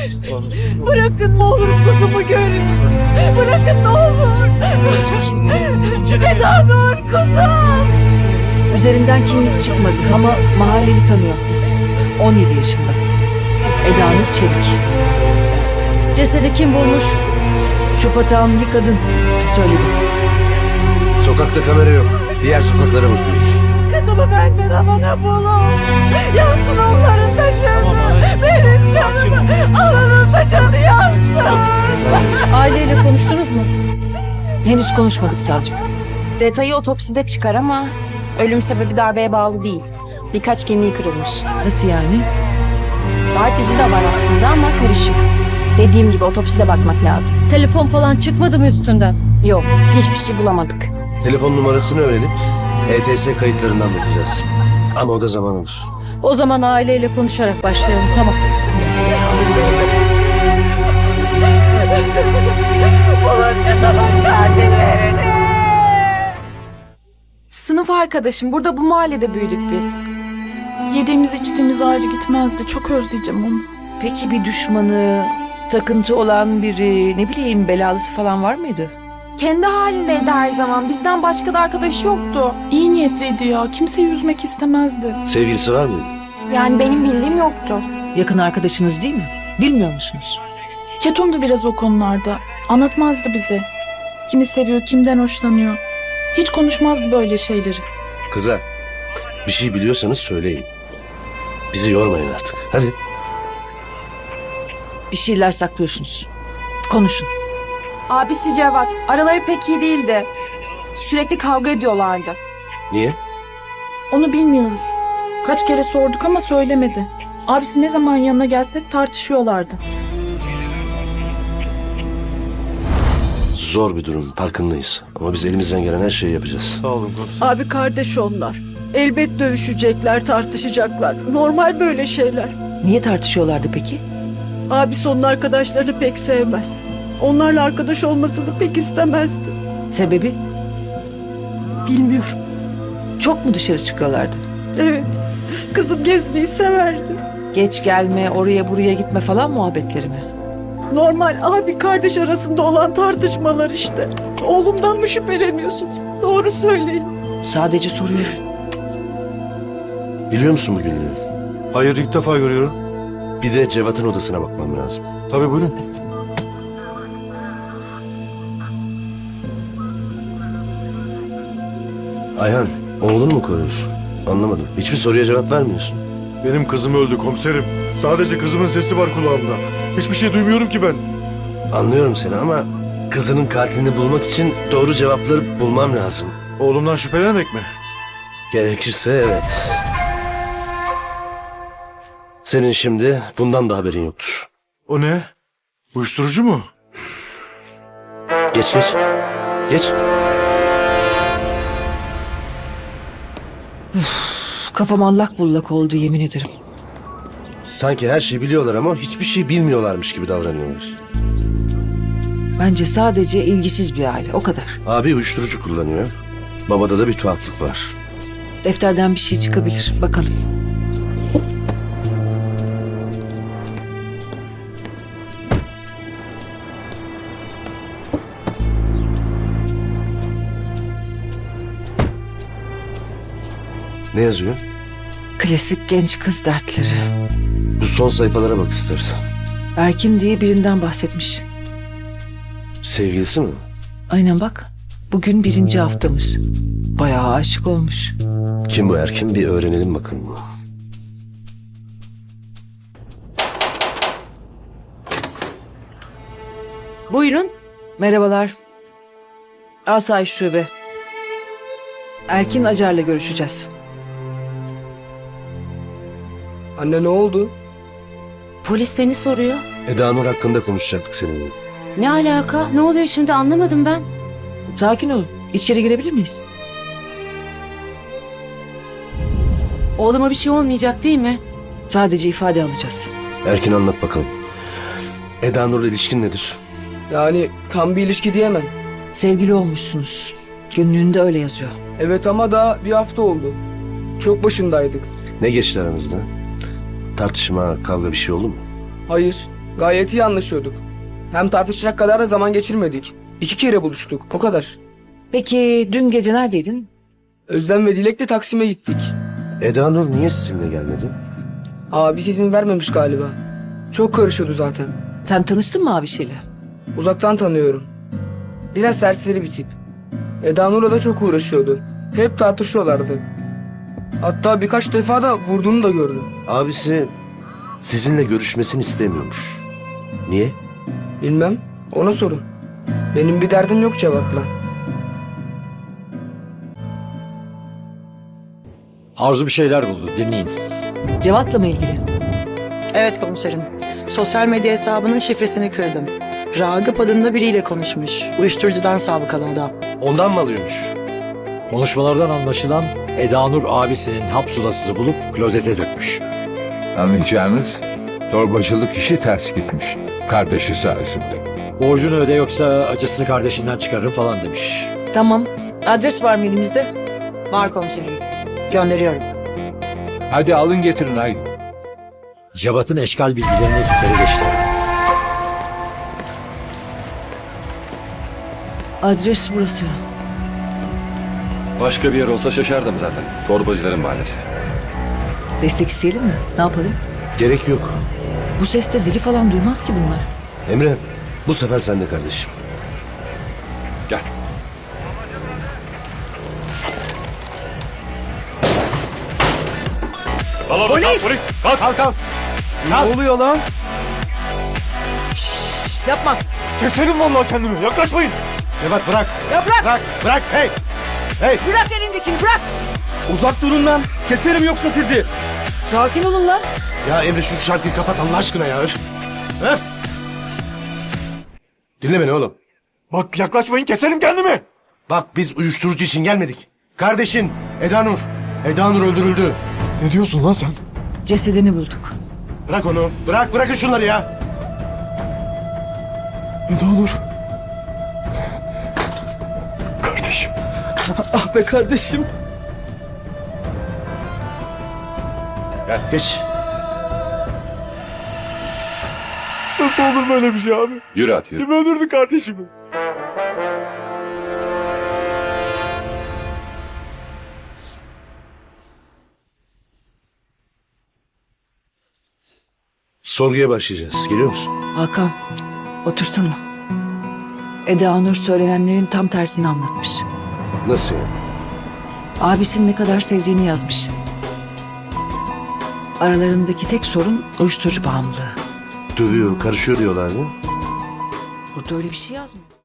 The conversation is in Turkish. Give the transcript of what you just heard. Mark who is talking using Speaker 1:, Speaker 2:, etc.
Speaker 1: Bırakın ne olur kuzumu göreyim. Bırakın ne olur. Eda Nur kuzum.
Speaker 2: Üzerinden kimlik çıkmadı ama mahalleli tanıyor. 17 yaşında. Eda Nur Çelik. Cesedi kim bulmuş? Çupatağın bir kadın söyledi.
Speaker 3: Sokakta kamera yok. Diğer sokaklara bakıyoruz.
Speaker 1: Kızımı benden alana bulun. Yansın onların da canı. Benim canımı. Alanın da canı yansın.
Speaker 2: Aileyle konuştunuz mu? Henüz konuşmadık savcı.
Speaker 4: Detayı otopside çıkar ama ölüm sebebi darbeye bağlı değil. Birkaç kemiği kırılmış.
Speaker 2: Nasıl yani?
Speaker 4: Darp izi de var aslında ama karışık. Dediğim gibi otopside bakmak lazım.
Speaker 2: Telefon falan çıkmadı mı üstünden?
Speaker 4: Yok, hiçbir şey bulamadık.
Speaker 3: Telefon numarasını öğrenip HTS kayıtlarından bakacağız. Ama o da zaman alır.
Speaker 2: O zaman aileyle konuşarak başlayalım, tamam.
Speaker 1: Bulun ne zaman katillerini.
Speaker 5: Sınıf arkadaşım. Burada bu mahallede büyüdük biz.
Speaker 6: Yediğimiz içtiğimiz ayrı gitmezdi. Çok özleyeceğim onu.
Speaker 2: Peki bir düşmanı, takıntı olan biri, ne bileyim belalısı falan var mıydı?
Speaker 5: Kendi halindeydi her zaman. Bizden başka da arkadaşı yoktu.
Speaker 6: İyi niyetliydi ya. Kimseyi üzmek istemezdi.
Speaker 3: Sevgilisi var mıydı?
Speaker 5: Yani benim bildiğim yoktu.
Speaker 2: Yakın arkadaşınız değil mi? Bilmiyor musunuz?
Speaker 6: Ketumdu biraz o konularda. Anlatmazdı bize. Kimi seviyor, kimden hoşlanıyor. Hiç konuşmazdı böyle şeyleri.
Speaker 3: Kızlar, bir şey biliyorsanız söyleyin. Bizi yormayın artık. Hadi.
Speaker 2: Bir şeyler saklıyorsunuz. Konuşun.
Speaker 5: Abisi Cevat. Araları pek iyi değildi. Sürekli kavga ediyorlardı.
Speaker 3: Niye?
Speaker 6: Onu bilmiyoruz. Kaç kere sorduk ama söylemedi. Abisi ne zaman yanına gelse tartışıyorlardı.
Speaker 3: Zor bir durum, farkındayız. Ama biz elimizden gelen her şeyi yapacağız.
Speaker 7: Sağ olun komiserim.
Speaker 1: Abi kardeş onlar. Elbet dövüşecekler, tartışacaklar. Normal böyle şeyler.
Speaker 2: Niye tartışıyorlardı peki?
Speaker 1: Abisi onun arkadaşlarını pek sevmez. Onlarla arkadaş olmasını pek istemezdi.
Speaker 2: Sebebi?
Speaker 1: Bilmiyorum.
Speaker 2: Çok mu dışarı çıkıyorlardı?
Speaker 1: Evet. Kızım gezmeyi severdi.
Speaker 2: Geç gelme, oraya buraya gitme falan muhabbetleri mi?
Speaker 1: Normal abi kardeş arasında olan tartışmalar işte. Oğlumdan mı şüpheleniyorsun? Doğru söyleyin.
Speaker 2: Sadece soruyorum.
Speaker 3: Biliyor musun bu günlüğü?
Speaker 7: Hayır, ilk defa görüyorum.
Speaker 3: Bir de Cevat'ın odasına bakmam lazım.
Speaker 7: Tabii, buyurun.
Speaker 3: Ayhan, oğlunu mu koruyorsun? Anlamadım. Hiçbir soruya cevap vermiyorsun.
Speaker 7: Benim kızım öldü komiserim. Sadece kızımın sesi var kulağımda. Hiçbir şey duymuyorum ki ben.
Speaker 3: Anlıyorum seni ama kızının katilini bulmak için doğru cevapları bulmam lazım.
Speaker 7: Oğlumdan şüphelenerek mi?
Speaker 3: Gerekirse evet. Senin şimdi bundan da haberin yoktur.
Speaker 7: O ne? Uyuşturucu mu?
Speaker 3: Geç geç. Geç.
Speaker 2: Kafam allak bullak oldu yemin ederim.
Speaker 3: Sanki her şeyi biliyorlar ama hiçbir şey bilmiyorlarmış gibi davranıyorlar.
Speaker 2: Bence sadece ilgisiz bir aile, o kadar.
Speaker 3: Abi uyuşturucu kullanıyor. Babada da bir tuhaflık var.
Speaker 2: Defterden bir şey çıkabilir, bakalım.
Speaker 3: Ne yazıyor?
Speaker 2: Klasik genç kız dertleri.
Speaker 3: Bu son sayfalara bak istersen.
Speaker 2: Erkin diye birinden bahsetmiş.
Speaker 3: Sevgilisi mi?
Speaker 2: Aynen bak. Bugün 1. haftamız. Bayağı aşık olmuş.
Speaker 3: Kim bu Erkin? Bir öğrenelim bakalım.
Speaker 2: Buyurun. Merhabalar. Asayiş Şube. Erkin Acar'la görüşeceğiz.
Speaker 8: Anne ne oldu?
Speaker 9: Polis seni soruyor.
Speaker 3: Eda Nur hakkında konuşacaktık seninle.
Speaker 9: Ne alaka? Ne oluyor şimdi anlamadım ben.
Speaker 2: Sakin olun. İçeri girebilir miyiz?
Speaker 9: Oğluma bir şey olmayacak değil mi?
Speaker 2: Sadece ifade alacağız.
Speaker 3: Erkin anlat bakalım. Eda Nur'la ilişkin nedir?
Speaker 8: Yani tam bir ilişki diyemem.
Speaker 2: Sevgili olmuşsunuz. Günlüğünde öyle yazıyor.
Speaker 8: Evet ama daha bir hafta oldu. Çok başındaydık.
Speaker 3: Ne geçti aranızda? Tartışma, kavga bir şey oldu mu?
Speaker 8: Hayır. Gayet iyi anlaşıyorduk. Hem tartışacak kadar da zaman geçirmedik. 2 kere buluştuk, o kadar.
Speaker 2: Peki dün gece neredeydin?
Speaker 8: Özlem ve Dilek'le Taksim'e gittik.
Speaker 3: Eda Nur niye sizinle gelmedi?
Speaker 8: Abi izin vermemiş galiba. Çok karışıyordu zaten.
Speaker 2: Sen tanıştın mı abisiyle?
Speaker 8: Uzaktan tanıyorum. Biraz serseri bir tip. Eda Nur'la da çok uğraşıyordu. Hep tartışıyorlardı. Hatta birkaç defa da vurduğunu da gördüm.
Speaker 3: Abisi sizinle görüşmesini istemiyormuş. Niye?
Speaker 8: Bilmem, ona sorun. Benim bir derdim yok Cevat'la.
Speaker 10: Arzu bir şeyler buldu. Dinleyin.
Speaker 2: Cevat'la mı ilgili?
Speaker 1: Evet komiserim. Sosyal medya hesabının şifresini kırdım. Ragıp adında biriyle konuşmuş. Uyuşturucudan sabıkalı adam.
Speaker 3: Ondan mı alıyormuş?
Speaker 10: Konuşmalardan anlaşılan Eda Nur abisinin hap sulasını bulup klozete dökmüş.
Speaker 11: Anlayacağınız torbacılık işi ters gitmiş. Kardeşi sayesinde.
Speaker 10: Borcunu öde yoksa acısını kardeşinden çıkarırım falan demiş.
Speaker 2: Tamam. Adres var mı elimizde?
Speaker 1: Var komiserim. Gönderiyorum.
Speaker 11: Hadi alın getirin haydi.
Speaker 10: Cevat'ın eşkal bilgilerini ekiplere geçti.
Speaker 2: Adres burası.
Speaker 12: Başka bir yer olsa şaşardım zaten. Torbacıların mahallesi.
Speaker 2: Destek isteyelim mi? Ne yapalım?
Speaker 3: Gerek yok.
Speaker 2: Bu seste zili falan duymaz ki bunlar.
Speaker 3: Emre, bu sefer sen de kardeşim.
Speaker 12: Gel. Polis! Polis! Kalk!
Speaker 3: Kalk! Ne oluyor lan?
Speaker 1: Yapma.
Speaker 7: Keserim vallahi kendimi. Yaklaşmayın.
Speaker 3: Cevat bırak.
Speaker 1: Ya bırak.
Speaker 3: Bırak. Bırak. Hey. Hey.
Speaker 1: Bırak elindekini bırak.
Speaker 7: Uzak durun lan. Keserim yoksa sizi.
Speaker 2: Sakin olun lan.
Speaker 3: Ya Emre şu şarkıyı kapat Allah aşkına ya. Öf. Öf. Dinle beni oğlum.
Speaker 7: Bak yaklaşmayın keserim kendimi.
Speaker 3: Bak biz uyuşturucu için gelmedik. Kardeşin Eda Nur. Eda Nur öldürüldü.
Speaker 7: Ne diyorsun lan sen?
Speaker 2: Cesedini bulduk.
Speaker 3: Bırak onu. Bırakın şunları ya.
Speaker 7: Eda Nur. Kardeşim.
Speaker 8: Ah be kardeşim.
Speaker 3: Geç.
Speaker 7: Nasıl olur böyle bir şey abi?
Speaker 12: Yürü at yürü.
Speaker 7: Kim öldürdü kardeşimi?
Speaker 3: Sorguya başlayacağız. Geliyor musun?
Speaker 2: Hakan, otursana. Eda Nur söylenenlerin tam tersini anlatmış.
Speaker 3: Nasıl ya?
Speaker 2: Abisini ne kadar sevdiğini yazmış. Aralarındaki tek sorun uyuşturucu bağımlılığı.
Speaker 3: Dövüyor, karışıyor diyorlardı.
Speaker 2: Burada öyle bir şey yazmıyor.